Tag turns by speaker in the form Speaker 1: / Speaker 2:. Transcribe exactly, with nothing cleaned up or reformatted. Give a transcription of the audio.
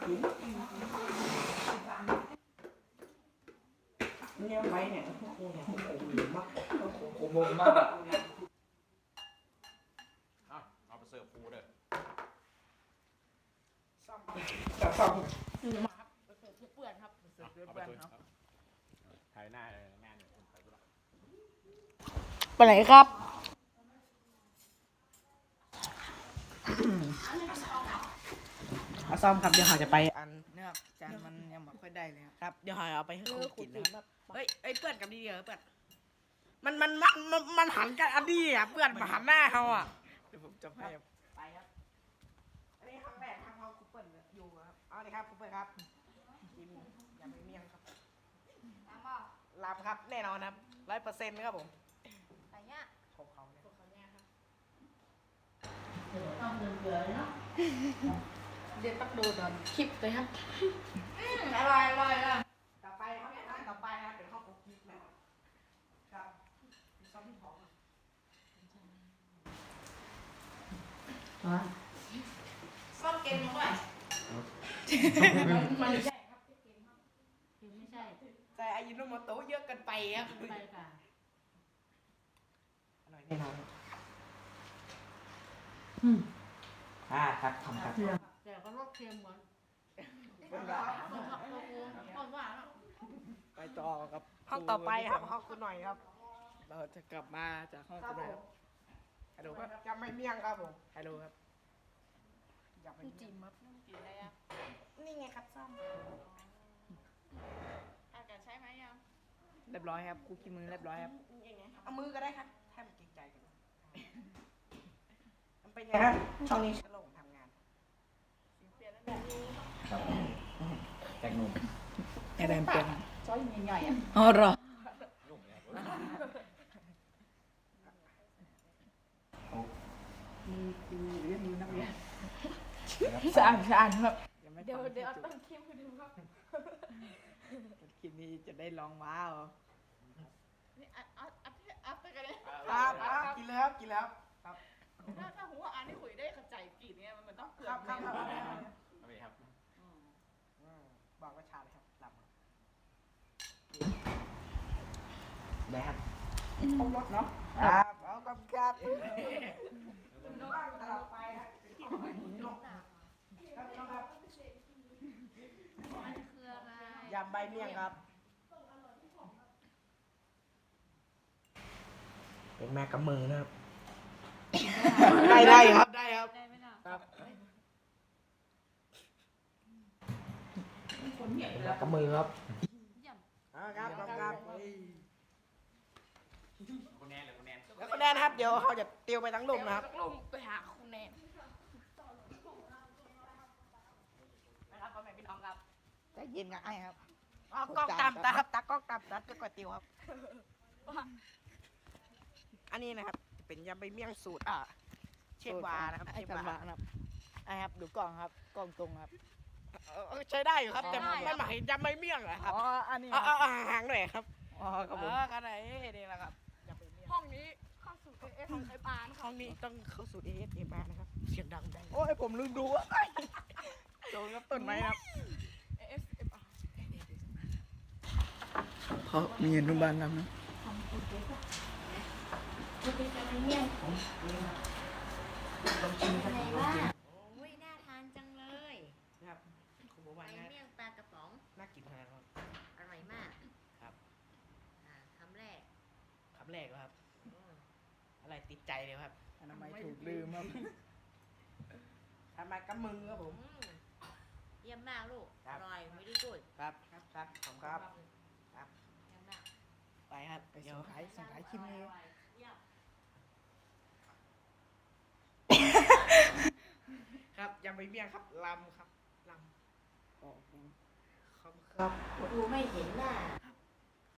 Speaker 1: เนี่ยไว้เนี่ยพวกกูเนี่ยพวกกูอยู่มากพวกกู
Speaker 2: ผมงงมากเอาเอาไปเสิร์ฟครูเด้อ
Speaker 1: จับซ่อม
Speaker 3: มาครับเสิร์ฟเปื่อนครับเสิร์ฟเปื่อนครับ
Speaker 2: ถ่ายหน้าเลยหน้าเนี่ยคนไปดูละ
Speaker 3: ไปไหนครับมาซ่อมครับเดี๋ยวเราจะไปอันเนื้อจานมันยังไม่ค่อยได้เลยครับเดี๋ยวเราเอาไปให้เขากินนะครับเฮ้ยเฮ้ยเปื่อนกับดีเดียวเปื่อนมันมันมันมันมันหันกันอันนี้อ่ะเปื่อนมาหันหน้าเขาอ่ะเดี๋ยวผมจะให้ไปครับอันนี้ครั้งแรกครั้งเขาคุปเปิลอยู่ครับเอาเลยครับคุปเปิลครับกินอย่าไปเมี่ยงครับลำครับแน่นอนครับร้อยเปอร์เซ็นต์ครับผมไปเนี่ยของเขาเนี่ยของเขาเนี่ยครับต้องเดือดเดือดเนาะเดี๋ยวต้องดูตอนคลิปเลยครับอร่อยอร่อยอ่ะต่อไปครับต่อไปนะเป็นข้าวคุกกี้นะครับซอสที่หอมซอสเค็มด้วยมันไม่ใช่ครับเค็มครับไม่ใช่แต่อายุโนโมโตะเยอะเกินไปครับไปค่ะอร่อยแน่นอนอืมอ่าครับทำครับ
Speaker 4: แต่ก็รสเค็มเหมือน
Speaker 3: เป็นไร
Speaker 4: เหมือนกับตัวกูต้นหวานอ่ะ
Speaker 3: ไปต่อครับห้องต่อไปครับห้องคุณหน่อยครับ เราจะกลับมาจากห้องคุณหน่อยครับฮัลโหลครับจะไม่เมี่ยงครับผมฮัลโหลครับอยากไปจิ้มครับ
Speaker 4: กินอะไรอ่ะ
Speaker 3: นี่ไงครับซ่อม
Speaker 4: อากาศใช้ไหมยัง
Speaker 3: เรียบร้อยครับคุกกี้มือเรียบร้อยครับเอามือก็ได้ครับแทบเกรงใจกันมันเป็นไงครับช่องนี้ฉันลงทำงาน
Speaker 4: เปลี่ยนแล้วเนี่ย
Speaker 2: ครับแตงนุ่ม
Speaker 3: อะไรเปลี่ยน
Speaker 4: ซอยใหญ่ๆอ่ะ
Speaker 3: อ๋อรอ
Speaker 2: นุ่มเนี่ย
Speaker 3: มีมีเรื่องนี้นักเรียน
Speaker 4: สะอาดสะอาดครับ
Speaker 3: ยังไม่
Speaker 4: เดี๋ยว
Speaker 3: ฟัง
Speaker 4: เดี๋ยวต้นคลิปให้ดูครับ
Speaker 3: คลิปนี้จะได้ลองว้าว
Speaker 4: นี่อัดอัดอัดอัดไปกันเลย
Speaker 3: ครับครับกินแล้วกินแล้วครับ
Speaker 4: ถ้าถ้าหัวอันนี้คุยได้เข้าใจกลิ่นเนี่ยมันต้องเกลือ
Speaker 3: ครับครับครับ
Speaker 2: เอาไปครับ
Speaker 3: บอกว่าชาเลยครับลำได้ครับเอารถเนาะครับเอากับครับต่อไปครับยำใบเมี่ยงครับเป็นแม่กำมือนะครับได้ได้ครับได้ครับ
Speaker 4: ได้ไหมล่ะ
Speaker 3: ครับ
Speaker 4: คนเหนียว
Speaker 3: เป็น
Speaker 4: เล
Speaker 3: แม่
Speaker 4: ย
Speaker 3: กำมือครับ
Speaker 4: เยี่ยม
Speaker 3: อ่าครับครับครับ
Speaker 2: คุณแนนเลยคุณแนน
Speaker 3: แล้วก็แน่นครับเดี๋ยวเขาจะเตียวไปทั้งลุ่มนะครับ
Speaker 4: ลงไปหาคุณแนนนะครับพ่อแม่พี่น้องครับ
Speaker 3: ใจเย็นกับไอ้ครับอ๋อกล้องตามตาครับตากล้องตามตาก็ก๋วยเตี๋ยวครับ อันนี้นะครับจะเป็นยำใบเมี่ยงสูตรอ่ะเชฟวานะครับเชฟวาครับไอ้ครับดูกล้องครับกล้องตรงครับใช้ได้อยู่ครับแต่ไม่หมายยำใบเมี่ยงเหรอครับอ๋ออันนี้อ๋อห่างหน่อยครับอ๋อครับผมกันไหนนี่แหละครับยำใบเมี่ยง
Speaker 4: ห้องนี้เข้าสู่เอฟของไอปาน
Speaker 3: ห้องนี้ต้องเข้าสู่เอสเอ็มอาร์นะครับเสียงดังได้โอ้ยผมลืมดูอ่ะโดนครับต้นไม้ครับ
Speaker 4: เอฟเอฟอาร์
Speaker 3: เขามีอนุบาลนำนะ
Speaker 5: อะไรวะโอ้ยน่าทานจังเลย
Speaker 3: ครับคุณบอก
Speaker 5: ใบ
Speaker 3: ว่าน่า
Speaker 5: เมี่ยงปลากระป๋อง
Speaker 3: น่ากินขนาดนั้น
Speaker 5: อร่อยมาก
Speaker 3: ครับ
Speaker 5: อ่าคำแรก
Speaker 3: คำแรกครับ
Speaker 5: อืม
Speaker 3: อะไรติดใจเลยครับอนามัยถูกลืมครับทำไมกับมือครับผม
Speaker 5: อืมเยี่ยมมากลูก
Speaker 3: ครั
Speaker 5: อบ ร่อยไม่ได้กูด
Speaker 3: ครับครับครับผมครับ
Speaker 5: เยี่ยมมาก
Speaker 3: ไปครับไปส่งขายส่งขายคลิปนี้
Speaker 5: เยี่ยม
Speaker 3: ครับยังไม่เมี่ยงครับลำครับลำอ๋อครับครับ
Speaker 5: กูไม่เห็นหน้า
Speaker 3: ครับ